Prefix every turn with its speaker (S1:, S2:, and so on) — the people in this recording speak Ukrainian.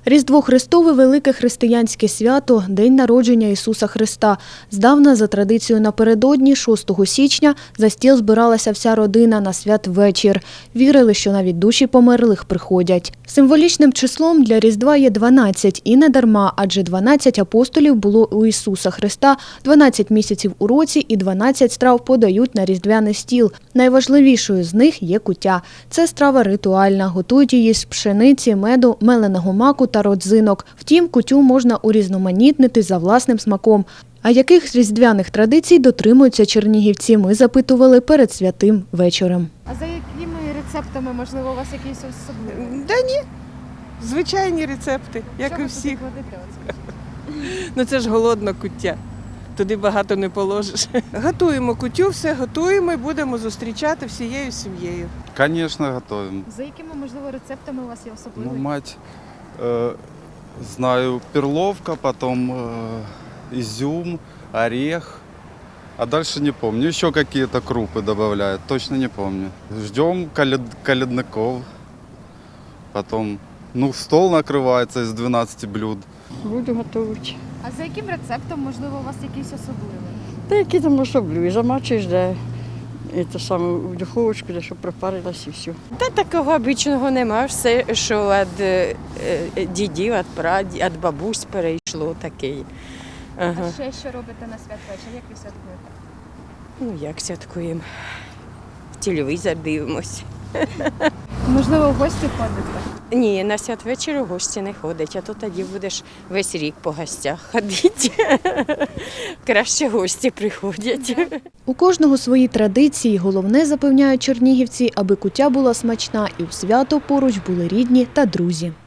S1: Різдво Христове – велике християнське свято, день народження Ісуса Христа. Здавна, за традицією напередодні, 6 січня, за стіл збиралася вся родина на святвечір. Вірили, що навіть душі померлих приходять. Символічним числом для Різдва є 12, і не дарма, адже 12 апостолів було у Ісуса Христа, 12 місяців у році і 12 страв подають на різдвяний стіл. Найважливішою з них є куття. Це страва ритуальна, готують її з пшениці, меду, меленого маку та родзинок. Втім, куттю можна урізноманітнити за власним смаком. А яких різдвяних традицій дотримуються чернігівці, ми запитували перед святим вечором.
S2: А за якими рецептами, можливо, у вас якісь особливі?
S3: Да ні, звичайні рецепти, як
S2: Що
S3: і
S2: ви
S3: всіх.
S2: туди кладете, от скажіть?
S3: Ну це ж голодна куття, туди багато не положиш. Готуємо куттю, все готуємо і будемо зустрічати всією сім'єю.
S4: Конечно, готовим.
S2: За якими, можливо, рецептами у вас є
S4: Ну,
S2: особливі?
S4: мать, знаю, перловка, потом изюм, орех. А дальше не помню. Еще какие-то крупы добавляют, точно не помню. Ждем колядников. Потом, стол накрывается из 12 блюд.
S5: Буду готувати.
S2: А за яким рецептом, можливо, у вас якийсь особливий?
S5: Та які там особливі, замачуєш, де це саме в духовочку, де щоб пропарилась і все.
S6: Та такого обичного нема, все, що від дідів, від бабусь перейшло такий. Ага.
S2: А ще що робите на святвечір? Як ви святкуєте?
S6: Ну як святкуємо? В телевізор дивимось.
S2: Можливо, в гості ходите?
S6: Ні, на святвечір у гості не ходить, а то тоді будеш весь рік по гостях ходити. Краще гості приходять.
S1: У кожного свої традиції. Головне, запевняють чернігівці, аби куття була смачна і у свято поруч були рідні та друзі.